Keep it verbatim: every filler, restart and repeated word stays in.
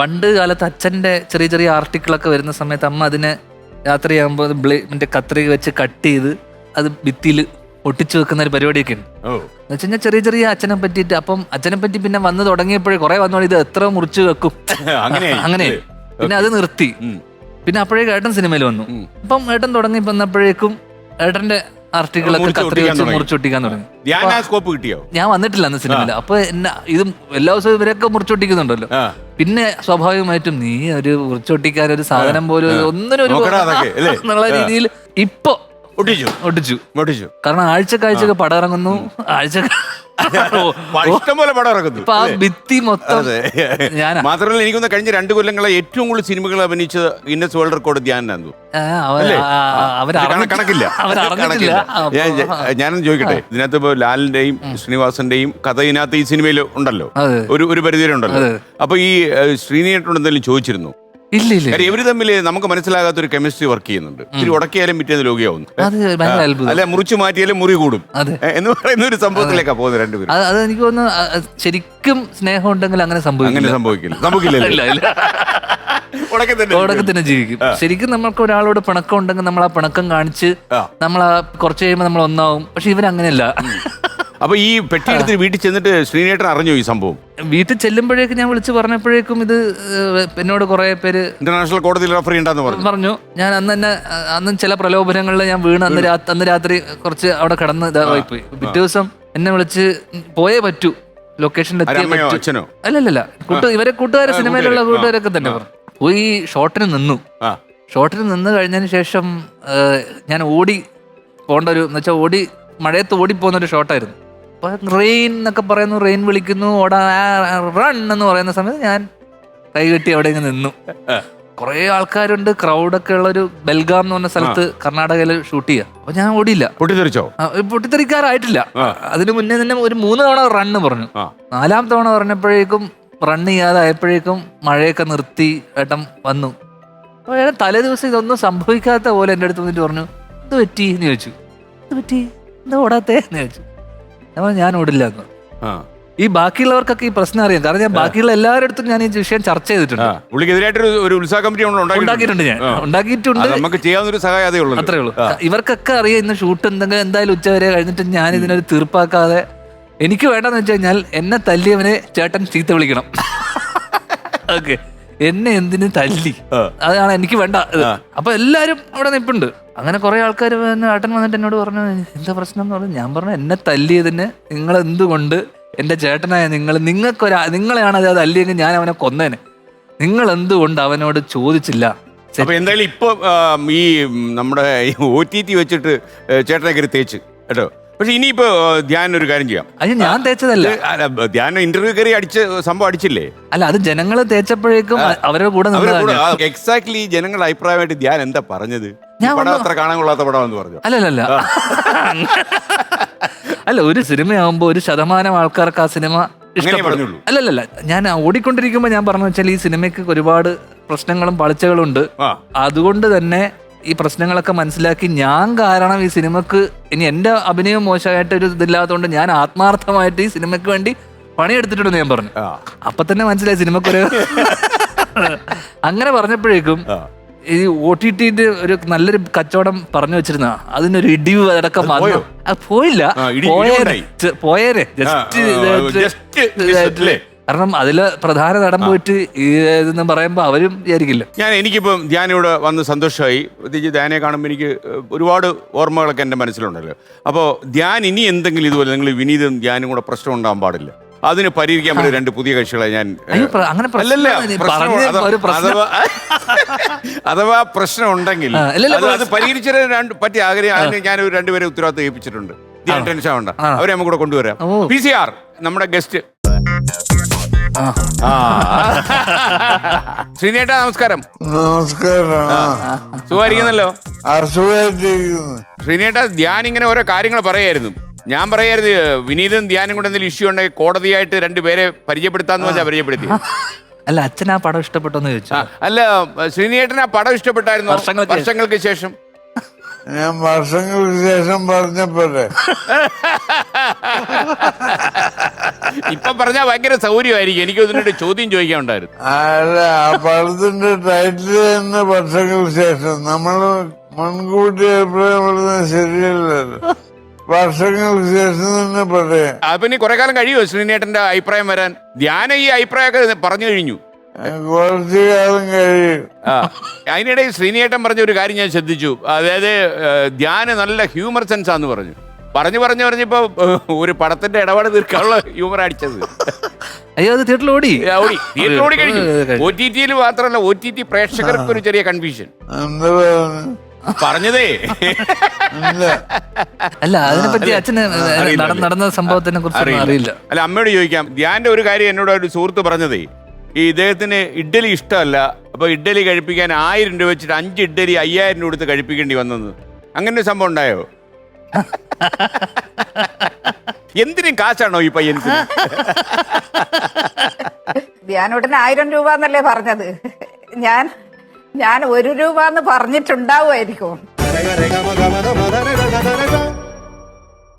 പണ്ട് കാലത്ത് അച്ഛൻ്റെ ചെറിയ ചെറിയ ആർട്ടിക്കിളൊക്കെ വരുന്ന സമയത്ത് അമ്മ അതിനെ രാത്രിയാകുമ്പോൾ ബ്ലേ മറ്റേ കത്രിക വെച്ച് കട്ട് ചെയ്ത് അത് ഭിത്തിയിൽ ഒട്ടിച്ചു വെക്കുന്ന ഒരു പരിപാടിയൊക്കെ ഉണ്ട്. എന്ന് വെച്ച് കഴിഞ്ഞാൽ ചെറിയ ചെറിയ അച്ഛനെ പറ്റിയിട്ട്. അപ്പം അച്ഛനെ പറ്റി പിന്നെ വന്ന് തുടങ്ങിയപ്പോഴേ കുറെ വന്നോളൂ ഇത് എത്ര മുറിച്ച് വെക്കും അങ്ങനെ. പിന്നെ അത് നിർത്തി. പിന്നെ അപ്പോഴേക്കും ഏട്ടൻ സിനിമയിൽ വന്നു. അപ്പം ഏട്ടൻ തുടങ്ങി വന്നപ്പോഴേക്കും ഏട്ടന്റെ ആർട്ടിക്കിളൊക്കെ കത്രി വെച്ച് മുറിച്ചൊട്ടിക്കാൻ തുടങ്ങി. ഞാൻ വന്നിട്ടില്ല അന്ന് സിനിമയിൽ. അപ്പൊ എന്നെ ഇതും എല്ലാ ദിവസവും ഇവരൊക്കെ മുറിച്ചൊട്ടിക്കുന്നുണ്ടല്ലോ. പിന്നെ സ്വാഭാവികമായിട്ടും നീ ഒരു മുറിച്ചൊട്ടിക്കാൻ ഒരു സാധനം പോലും ഒന്നിനും ഒരു എന്നുള്ള രീതിയിൽ ഇപ്പൊ ഒട്ടിച്ചു ഒട്ടിച്ചു ഒട്ടിച്ചു കാരണം ആഴ്ചക്കാഴ്ചക്ക് പടം ഇറങ്ങുന്നു. ആഴ്ച ഇഷ്ടംപോലെ പടം ഇറങ്ങുന്നു. ആ ഭിത്തി മൊത്തം ഞാൻ മാത്രമല്ല എനിക്കൊന്ന് കഴിഞ്ഞ രണ്ടു കൊല്ലങ്ങളെ ഏറ്റവും കൂടുതൽ സിനിമകൾ അഭിനയിച്ച ഗിന്നസ് വേൾഡ് റെക്കോർഡ് ധ്യാനായിരുന്നു. കണക്കില്ല കണക്കില്ല. ഞാനൊന്ന് ചോദിക്കട്ടെ, ഇതിനകത്ത് ഇപ്പൊ ലാലിന്റെയും ശ്രീനിവാസന്റെയും കഥ ഇതിനകത്ത് ഈ സിനിമയിൽ ഉണ്ടല്ലോ, ഒരു ഒരു പരിധിവരെ ഉണ്ടല്ലോ. അപ്പൊ ഈ ശ്രീനിയേട്ടനോട് എന്തെങ്കിലും ചോദിച്ചിരുന്നു? ഇല്ല ഇല്ല. ഇവര് തമ്മിൽ നമുക്ക് മനസ്സിലാകാത്ത ഒരു കെമിസ്ട്രി വർക്ക് ചെയ്യുന്നുണ്ട്. ഇത്തിരി ഉടക്കിയാലും പിറ്റേന്ന് ലോകിയാവുന്നു, അല്ലെ മുറിച്ചു മാറ്റിയാലും മുറി കൂടും എന്ന് പറയുന്ന ഒരു സംഭവത്തിലേക്കാ പോകുന്നത് രണ്ടുപേരും. അത് എനിക്ക് തോന്നുന്നു ശരിക്കും സ്നേഹം ഉണ്ടെങ്കിൽ അങ്ങനെ സംഭവിക്കും. അങ്ങനെ സംഭവിക്കില്ല സംഭവിക്കില്ല ഉടക്കെ തന്നെ ജീവിക്കും. ശരിക്കും നമുക്ക് ഒരാളോട് പിണക്കം ഉണ്ടെങ്കിൽ നമ്മൾ ആ പിണക്കം കാണിച്ച് നമ്മൾ കുറച്ച് കഴിയുമ്പോൾ നമ്മൾ ഒന്നാവും. പക്ഷെ ഇവരങ്ങനെയല്ല. അപ്പൊ ഈ പെട്ടി എടുത്ത് വീട്ടിൽ ചെന്നിട്ട് ശ്രീനേട്ടൻ അറിഞ്ഞു ഈ സംഭവം? വീട്ടിൽ ചെല്ലുമ്പോഴേക്കും ഞാൻ വിളിച്ച് പറഞ്ഞപ്പോഴേക്കും ഇത് എന്നോട് കുറെ പേര് ഇന്റർനാഷണൽ കോടതിയിൽ റഫർ ചെയ്യണ്ടെന്ന് പറഞ്ഞു പറഞ്ഞു. ഞാൻ അന്ന് തന്നെ അന്ന് ചില പ്രലോഭനങ്ങളിൽ ഞാൻ വീണ് അന്ന് അന്ന് രാത്രി കുറച്ച് അവിടെ കിടന്ന് ഇതായി പോയി. പിറ്റേ ദിവസം എന്നെ വിളിച്ച് പോയേ പറ്റൂ, ലൊക്കേഷനിൽ എത്തിയേ പറ്റൂ. അല്ലല്ല, കൂട്ടു ഇവരെ കൂട്ടുകാരെ സിനിമയിലുള്ള കൂട്ടുകാരൊക്കെ തന്നെ പറഞ്ഞു. പോയി ഷോട്ടിന് നിന്നു. ഷോട്ടിന് നിന്ന് കഴിഞ്ഞതിന് ശേഷം ഞാൻ ഓടി പോകേണ്ട ഒരു എന്ന് വെച്ചാൽ ഓടി മഴയത്ത് ഓടിപ്പോകുന്ന ഒരു ഷോട്ടായിരുന്നു. അപ്പൊ റെയിൻ എന്നൊക്കെ പറയുന്നു, റെയിൻ വിളിക്കുന്നു, ഓടാ റൺ എന്ന് പറയുന്ന സമയത്ത് ഞാൻ കൈകെട്ടി അവിടെ ഇങ്ങനെ നിന്നു. കുറെ ആൾക്കാരുണ്ട്, ക്രൗഡൊക്കെ ഉള്ള ഒരു ബെൽഗാം എന്ന് പറഞ്ഞ സ്ഥലത്ത് കർണാടകയിൽ ഷൂട്ട് ചെയ്യാം. അപ്പൊ ഞാൻ ഓടിയില്ല. പൊട്ടിത്തെറിച്ചോ? പൊട്ടിത്തെറിക്കാറായിട്ടില്ല. അതിന് മുന്നേ തന്നെ ഒരു മൂന്ന് തവണ റണ്ണ് പറഞ്ഞു. നാലാം തവണ പറഞ്ഞപ്പോഴേക്കും റൺ ചെയ്യാതായപ്പോഴേക്കും മഴയൊക്കെ നിർത്തി ഏട്ടൻ വന്നു. അപ്പൊ ഏട്ടൻ തലേ ദിവസം ഇതൊന്നും സംഭവിക്കാത്ത പോലെ എൻ്റെ അടുത്ത് വന്നിട്ട് പറഞ്ഞു, ഇത് പറ്റി എന്ന് ചോദിച്ചു. ഇത് പറ്റി എന്താ ഓടാത്തേ എന്ന് ചോദിച്ചു. അപ്പോൾ ഞാൻ ഓടില്ല എന്ന്. ഈ ബാക്കിയുള്ളവർക്കൊക്കെ ഈ പ്രശ്നം അറിയാം, കാരണം ഞാൻ ബാക്കിയുള്ള എല്ലാവരുടെ അടുത്തും ഞാൻ ഈ വിഷയം ചർച്ച ചെയ്തിട്ടുണ്ട്. ഒരു ഉത്സാഹ കമ്മിറ്റി ഉണ്ടാക്കിയിട്ടുണ്ട്. ഞാൻ ഉണ്ടാക്കിയിട്ടുണ്ട്. നമുക്ക് ചെയ്യാവുന്ന ഒരു സഹായം അത്രേ ഉള്ളൂ. ഇവർക്കൊക്കെ അറിയാം ഇന്ന് ഷൂട്ട് എന്തെങ്കിലും എന്തായാലും ഉച്ച വരെ കഴിഞ്ഞിട്ട് ഞാൻ ഇതിനൊരു തീർപ്പാക്കാതെ എനിക്ക് വേണ്ടെന്ന് വെച്ച് കഴിഞ്ഞാൽ എന്നെ തല്ലിയവനെ ചേട്ടൻ ചീത്ത വിളിക്കണം. ഓക്കെ, എന്നെ എന്തിനു തല്ലി, അതാണ് എനിക്ക് വേണ്ട. അപ്പൊ എല്ലാരും അവിടെ നിൽപ്പുണ്ട്. അങ്ങനെ കുറെ ആൾക്കാർ ഏട്ടൻ വന്നിട്ട് എന്നോട് പറഞ്ഞു എന്താ പ്രശ്നം എന്ന് പറഞ്ഞു. ഞാൻ പറഞ്ഞു എന്നെ തല്ലിയതിന് നിങ്ങൾ എന്തുകൊണ്ട് എന്റെ ചേട്ടനായ നിങ്ങൾ നിങ്ങൾക്കൊരാ നിങ്ങളെയാണ് അത് തല്ലിയെങ്കിൽ ഞാൻ അവനെ കൊന്നേനെ, നിങ്ങൾ എന്തുകൊണ്ട് അവനോട് ചോദിച്ചില്ല? അപ്പൊ എന്തായാലും ഇപ്പൊ ഈ നമ്മുടെ ഒ ടി ടി വെച്ചിട്ട് ചേട്ടനെ കയറി തേച്ച് കേട്ടോ. പക്ഷെ ഇനിയിപ്പോ ധ്യാൻ ഒരു കാര്യം ചെയ്യാം. അത് ഞാൻ തേച്ചതല്ല, ധ്യാൻ ഇന്റർവ്യൂ കയറി അടിച്ച് സംഭവം അടിച്ചില്ലേ? അല്ല, അത് ജനങ്ങൾ തേച്ചപ്പോഴേക്കും അവരുടെ കൂടെ എക്സാക്ട്ലി ജനങ്ങളുടെ അഭിപ്രായമായിട്ട് ധ്യാൻ എന്താ പറഞ്ഞത്? പടം അത്ര കാണാൻ കൊള്ളാത്ത പടമെന്ന് പറഞ്ഞു. അല്ലല്ല അല്ല, ഒരു സിനിമയാകുമ്പോ ഒരു ശതമാനം ആൾക്കാർക്ക് ആ സിനിമ ഇഷ്ടപ്പെടുള്ളൂ. അല്ലല്ല, ഞാൻ ഓടിക്കൊണ്ടിരിക്കുമ്പോ ഞാൻ പറഞ്ഞു വെച്ചാൽ ഈ സിനിമയ്ക്ക് ഒരുപാട് പ്രശ്നങ്ങളും പാളിച്ചകളും ഉണ്ട്. അതുകൊണ്ട് തന്നെ ഈ പ്രശ്നങ്ങളൊക്കെ മനസ്സിലാക്കി ഞാൻ കാരണം ഈ സിനിമക്ക് ഇനി എന്റെ അഭിനയം മോശമായിട്ട് ഒരു ഇതില്ലാത്തതുകൊണ്ട് ഞാൻ ആത്മാർത്ഥമായിട്ട് ഈ സിനിമയ്ക്ക് വേണ്ടി പണിയെടുത്തിട്ടുണ്ടെന്ന് ഞാൻ പറഞ്ഞു. അപ്പൊ തന്നെ മനസ്സിലായി സിനിമക്കൊരു അങ്ങനെ പറഞ്ഞപ്പോഴേക്കും ഈ ഒ ടി ടിന്റെ ഒരു നല്ലൊരു കച്ചവടം പറഞ്ഞു വെച്ചിരുന്ന അതിനൊരു ഇടിവ് അടക്കം വന്നു. പോയില്ല, പോയേരെ ജസ്റ്റ്. കാരണം അതില് പ്രധാന നടൻ പോയിട്ട് ഇതെന്ന് പറയുമ്പോ അവരും വിചാരിക്കില്ല. ഞാൻ എനിക്കിപ്പം ധ്യാനിവിടെ വന്ന് സന്തോഷമായി. പ്രത്യേകിച്ച് ധ്യാനെ കാണുമ്പോൾ എനിക്ക് ഒരുപാട് ഓർമ്മകളൊക്കെ എൻ്റെ മനസ്സിലുണ്ടല്ലോ. അപ്പോൾ ധ്യാൻ ഇനി എന്തെങ്കിലും ഇതുപോലെ നിങ്ങൾ വിനീതും ധ്യാനും കൂടെ പ്രശ്നം ഉണ്ടാകാൻ പാടില്ല. അതിന് പരിഹരിക്കാൻ പറ്റും രണ്ട് പുതിയ കക്ഷികളെ ഞാൻ അഥവാ പ്രശ്നം ഉണ്ടെങ്കിൽ അത് പരിഹരിച്ചതിന് പറ്റിയ ആഗ്രഹം ഞാൻ രണ്ടുപേരെ ഉത്തരവാദിത്തം ഏൽപ്പിച്ചിട്ടുണ്ട്. ധ്യാൻ ടെൻഷൻ വേണ്ട, അവരെ നമുക്ക് കൂടെ കൊണ്ടുവരാം. പി സി ആർ നമ്മുടെ ഗസ്റ്റ്. ശ്രീനേട്ടാ നമസ്കാരം. നമസ്കാരം. സുഖമായിരിക്കുന്നല്ലോ? ശ്രീനേട്ടാ, ധ്യാൻ ഇങ്ങനെ ഓരോ കാര്യങ്ങൾ പറയായിരുന്നു. ഞാൻ പറയായിരുന്നു വിനീതും ധ്യാനും കൂടെ എന്തെങ്കിലും ഇഷ്യൂ ഉണ്ടെങ്കിൽ കോടതിയായിട്ട് രണ്ടുപേരെ പരിചയപ്പെടുത്താന്ന് വെച്ചാൽ പരിചയപ്പെടുത്തി. അല്ല, അച്ഛൻ ആ പടം ഇഷ്ടപ്പെട്ടോന്ന് ചോദിച്ചു. അല്ല, ശ്രീനേട്ടൻ ആ പടം ഇഷ്ടപ്പെട്ടായിരുന്നു വർഷങ്ങൾക്ക് ശേഷം? ഞാൻ വർഷങ്ങൾക്ക് ശേഷം പറഞ്ഞപ്പോലെ ഇപ്പൊ പറഞ്ഞാൽ ഭയങ്കര സൗകര്യമായിരിക്കും. എനിക്ക് ഇതിനൊരു ചോദ്യം ചോദിക്കാൻ ഉണ്ടായിരുന്നു. അല്ല, ആ പടത്തിന്റെ ടൈറ്റിൽ തന്നെ വർഷങ്ങൾക്ക് ശേഷം. നമ്മള് മുൻകൂട്ടി അഭിപ്രായപ്പെടുന്നത് ശരിയല്ലല്ലോ. വർഷങ്ങൾക്ക് ശേഷം തന്നെ പറയാം. അപ്പൊ ഇനി കുറെ കാലം കഴിയുമോ ശ്രീനേട്ടന്റെ അഭിപ്രായം വരാൻ? ധ്യാനം ഈ അഭിപ്രായമൊക്കെ പറഞ്ഞു കഴിഞ്ഞു. കുറച്ചു കാലം കഴിയും. ആ അതിനിടയിൽ ശ്രീനേട്ടൻ പറഞ്ഞ ഒരു കാര്യം ഞാൻ ശ്രദ്ധിച്ചു. അതായത് ധ്യാന് നല്ല ഹ്യൂമർ സെൻസ് ആന്ന് പറഞ്ഞു. പറഞ്ഞു പറഞ്ഞു പറഞ്ഞപ്പോ ഒരു പടത്തിന്റെ ഇടപാട് തീർക്കാനുള്ള ഹ്യൂമർ അടിച്ചത്. അയ്യോ അത് തിയേറ്ററിൽ ഓടി ഓടി തിയേറ്ററിൽ ഓടി കഴിഞ്ഞു. ഒ ടി ടിയിൽ മാത്രമല്ല, ഒ ടി ടി പ്രേക്ഷകർക്ക് ഒരു ചെറിയ കൺഫ്യൂഷൻ. എന്താ പറഞ്ഞു പറഞ്ഞതേ അല്ല, അതിനെപ്പറ്റി അച്ഛന് നടന്ന സംഭവത്തിനെ കുറിച്ച് അറിയില്ല. അല്ല, അമ്മയോട് ചോദിക്കാം. ധ്യാന്റെ ഒരു കാര്യം എന്നോട് ഒരു സുഹൃത്ത് പറഞ്ഞതേ, ഈ ഇദ്ദേഹത്തിന് ഇഡ്ഡലി ഇഷ്ടമല്ല. അപ്പൊ ഇഡ്ഡലി കഴിപ്പിക്കാൻ ആയിരം രൂപ വെച്ചിട്ട് അഞ്ച് ഇഡ്ഡലി അയ്യായിരം രൂപ കൊടുത്ത് കഴിപ്പിക്കേണ്ടി വന്നെന്ന്. അങ്ങനെ ഒരു സംഭവം ഉണ്ടായോ? എന്തിനും കാശാണോ ഈ പയ്യന്? ധ്യാനോട്ടിന് ആയിരം രൂപ എന്നല്ലേ പറഞ്ഞത്? ഞാൻ ഞാൻ ഒരു രൂപ എന്ന് പറഞ്ഞിട്ടുണ്ടാവുമായിരിക്കും.